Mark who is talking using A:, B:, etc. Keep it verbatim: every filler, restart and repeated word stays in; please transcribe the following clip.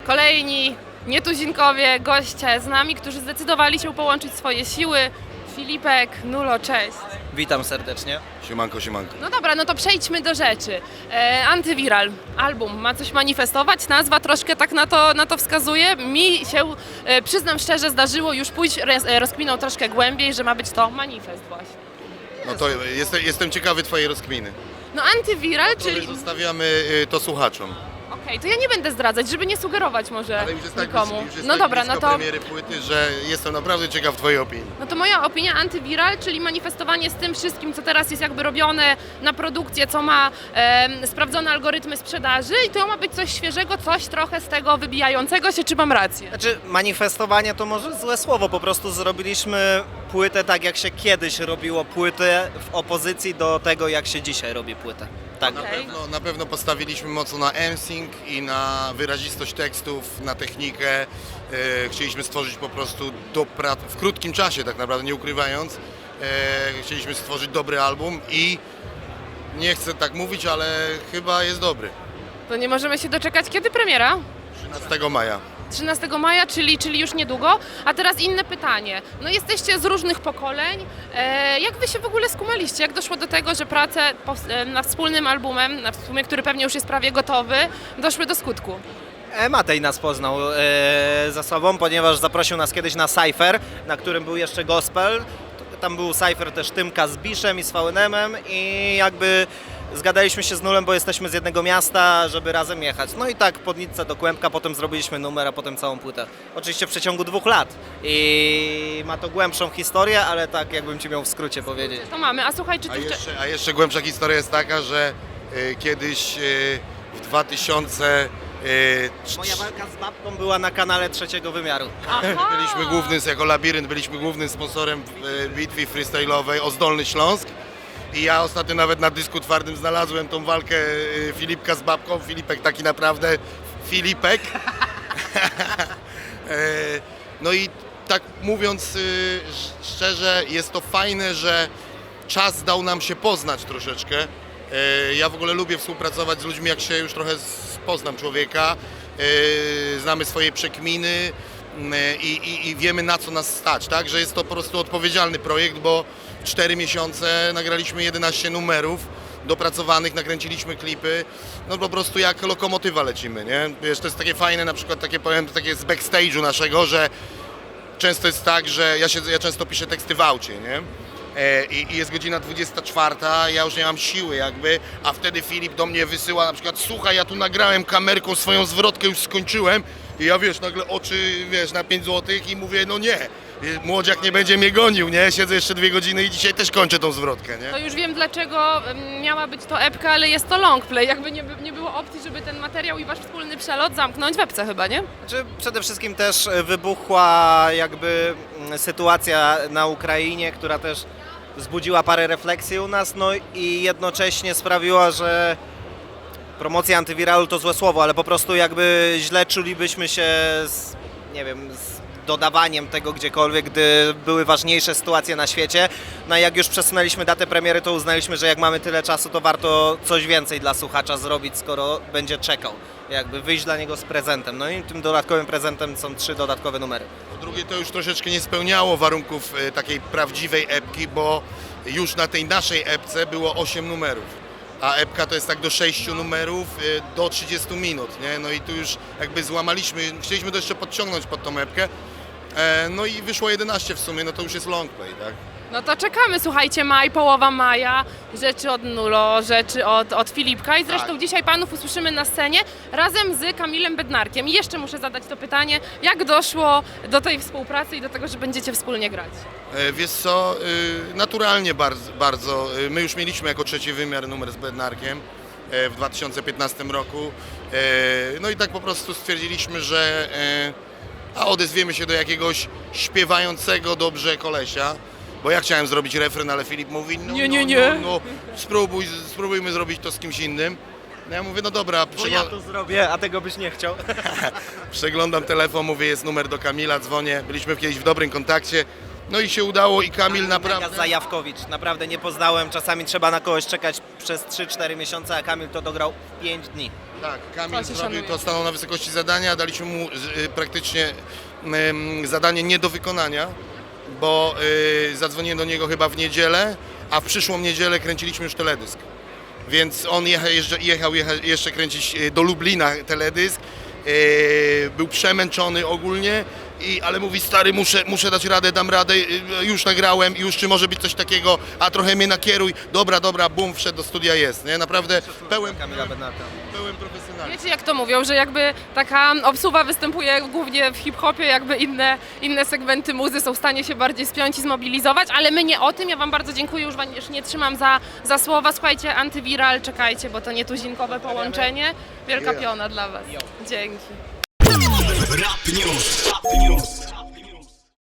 A: kolejni nietuzinkowie, goście z nami, którzy zdecydowali się połączyć swoje siły. Filipek, Nulo, cześć.
B: Witam serdecznie.
C: Siemanko, siemanko.
A: No dobra, no to przejdźmy do rzeczy. E, Antywiral, album, ma coś manifestować, nazwa troszkę tak na to, na to wskazuje. Mi się, e, przyznam szczerze, zdarzyło już pójść roz, rozkminą troszkę głębiej, że ma być to manifest właśnie.
C: No to jestem, jestem ciekawy twojej rozkminy.
A: No Antywiral,
C: Czyli
A: czyli...
C: zostawiamy y, to słuchaczom.
A: Okej, to ja nie będę zdradzać, żeby nie sugerować może
C: Ale już jest tak,
A: nikomu.
C: blisko, już jest
A: No
C: tak
A: dobra, no
C: blisko
A: to...
C: premiery płyty, że jestem naprawdę ciekaw twojej opinii.
A: No to moja opinia antywiral, czyli manifestowanie z tym wszystkim, co teraz jest jakby robione na produkcję, co ma e, sprawdzone algorytmy sprzedaży i to ma być coś świeżego, coś trochę z tego wybijającego się, czy mam rację?
B: Znaczy, manifestowanie to może złe słowo, po prostu zrobiliśmy płytę tak, jak się kiedyś robiło płytę, w opozycji do tego, jak się dzisiaj robi płytę. Tak.
C: Na,
A: Okej.
C: pewno, na pewno postawiliśmy mocno na emsing i na wyrazistość tekstów, na technikę. E, chcieliśmy stworzyć po prostu dobra, w krótkim czasie, tak naprawdę, nie ukrywając. E, chcieliśmy stworzyć dobry album i nie chcę tak mówić, ale chyba jest dobry.
A: To nie możemy się doczekać, kiedy premiera?
C: trzynastego maja.
A: trzynastego maja, czyli, czyli już niedługo. A teraz inne pytanie. No jesteście z różnych pokoleń. E, jak wy się w ogóle skumaliście? Jak doszło do tego, że prace pows- e, nad wspólnym albumem, na sumie, który pewnie już jest prawie gotowy, doszły do skutku?
B: E, Matej nas poznał e, za sobą, ponieważ zaprosił nas kiedyś na Cypher, na którym był jeszcze gospel. Tam był Cypher też Tymka z Biszem i z V N M-em i jakby zgadaliśmy się z Nulem, bo jesteśmy z jednego miasta, żeby razem jechać. No i tak pod Nicce do Kłębka, potem zrobiliśmy numer, a potem całą płytę. Oczywiście w przeciągu dwóch lat i ma to głębszą historię, ale tak jakbym ci miał w skrócie powiedzieć.
A: To mamy. A słuchaj, czy
C: A
A: ty... wcze-
C: jeszcze, a jeszcze głębsza historia jest taka, że y, kiedyś y, w dwa tysiące y,
B: Moja walka z babką była na kanale Trzeciego Wymiaru.
A: Aha!
C: byliśmy głównym, jako Labirynt, byliśmy głównym sponsorem y, bitwy freestyle'owej o Zdolny Śląsk. I ja ostatnio nawet na dysku twardym znalazłem tą walkę y, Filipka z babką. Filipek taki naprawdę Filipek. E, no i tak mówiąc y, sz- szczerze, jest to fajne, że czas dał nam się poznać troszeczkę. E, Ja w ogóle lubię współpracować z ludźmi, jak się już trochę z- poznam człowieka. E, Znamy swoje przekminy m, i, i, i wiemy, na co nas stać, tak? Że jest to po prostu odpowiedzialny projekt, bo w cztery miesiące nagraliśmy jedenaście numerów dopracowanych, nakręciliśmy klipy, no po prostu jak lokomotywa lecimy, nie? Wiesz, to jest takie fajne, na przykład takie, powiem, takie z backstage'u naszego, że często jest tak, że ja, się, ja często piszę teksty w aucie, nie? E, i, I jest godzina dwudziesta czwarta, ja już nie mam siły jakby, a wtedy Filip do mnie wysyła na przykład: słuchaj, ja tu nagrałem kamerką swoją zwrotkę, już skończyłem, i ja, wiesz, nagle oczy, wiesz, na pięć złotych i mówię: no nie, młodziak nie będzie mnie gonił, nie? Siedzę jeszcze dwie godziny i dzisiaj też kończę tą zwrotkę, nie?
A: To już wiem, dlaczego em, miała być to epka, ale jest to longplay. Jakby nie, by- nie było opcji, żeby ten materiał i wasz wspólny przelot zamknąć w epce chyba, nie?
B: Znaczy, przede wszystkim też wybuchła jakby mm, sytuacja na Ukrainie, która też wzbudziła parę refleksji u nas, no i jednocześnie sprawiła, że promocja antywiralu to złe słowo, ale po prostu jakby źle czulibyśmy się z, nie wiem, z dodawaniem tego gdziekolwiek, gdy były ważniejsze sytuacje na świecie. No i jak już przesunęliśmy datę premiery, to uznaliśmy, że jak mamy tyle czasu, to warto coś więcej dla słuchacza zrobić, skoro będzie czekał. Jakby wyjść dla niego z prezentem. No i tym dodatkowym prezentem są trzy dodatkowe numery.
C: Po drugie, to już troszeczkę nie spełniało warunków e, takiej prawdziwej epki, bo już na tej naszej epce było osiem numerów, a epka to jest tak do sześciu numerów, e, do trzydziestu minut, nie? No i tu już jakby złamaliśmy, chcieliśmy to jeszcze podciągnąć pod tą epkę, e, no i wyszło jedenaście w sumie, no to już jest long play, tak?
A: No to czekamy, słuchajcie, maj, połowa maja, rzeczy od Nulo, rzeczy od, od Filipka i zresztą
C: Tak.
A: dzisiaj panów usłyszymy na scenie razem z Kamilem Bednarkiem. I jeszcze muszę zadać to pytanie, jak doszło do tej współpracy i do tego, że będziecie wspólnie grać?
C: E, Wiesz co, y, naturalnie bardzo, bardzo. Y, My już mieliśmy jako trzeci wymiar numer z Bednarkiem e, w dwa tysiące piętnastym roku. E, No i tak po prostu stwierdziliśmy, że e, a odezwiemy się do jakiegoś śpiewającego dobrze kolesia. Bo ja chciałem zrobić refren, ale Filip mówi: no,
A: Nie, nie,
C: no,
A: nie.
C: no, no spróbuj, spróbujmy zrobić to z kimś innym. No ja mówię: no dobra,
B: Bo ja
C: przegl-
B: to zrobię, a tego byś nie chciał.
C: przeglądam telefon, mówię: jest numer do Kamila, dzwonię. Byliśmy kiedyś w dobrym kontakcie. No i się udało i Kamil naprawdę...
B: Zajawkowicz, naprawdę nie poznałem, czasami trzeba na kogoś czekać przez trzy cztery miesiące, a Kamil to dograł w pięć dni.
C: Tak, Kamil
A: To się
C: zrobił
A: szanuje.
C: to, stanął na wysokości zadania, daliśmy mu y, praktycznie y, zadanie nie do wykonania, bo y, zadzwoniłem do niego chyba w niedzielę, a w przyszłą niedzielę kręciliśmy już teledysk. Więc on jechał, jeszcze, jechał, jechał jeszcze kręcić y, do Lublina teledysk, y, był przemęczony ogólnie, i, ale mówi, stary, muszę, muszę dać radę, dam radę, y, już nagrałem, już czy może być coś takiego, a trochę mnie nakieruj, dobra, dobra, bum, wszedł do studia, jest, nie? Naprawdę pełen,
B: Kamila Bednarka.
C: pełen profesjonalizm.
A: Wiecie jak to mówią, że jakby taka obsuwa występuje głównie w hip-hopie, jakby inne, inne segmenty muzy są w stanie się bardziej spiąć i zmobilizować, ale my nie o tym. Ja Wam bardzo dziękuję, już Wam już nie trzymam za, za słowa. Słuchajcie, antywiral, czekajcie, bo to nietuzinkowe połączenie. Wielka piona dla Was. Dzięki.
D: Rap News. Rap News.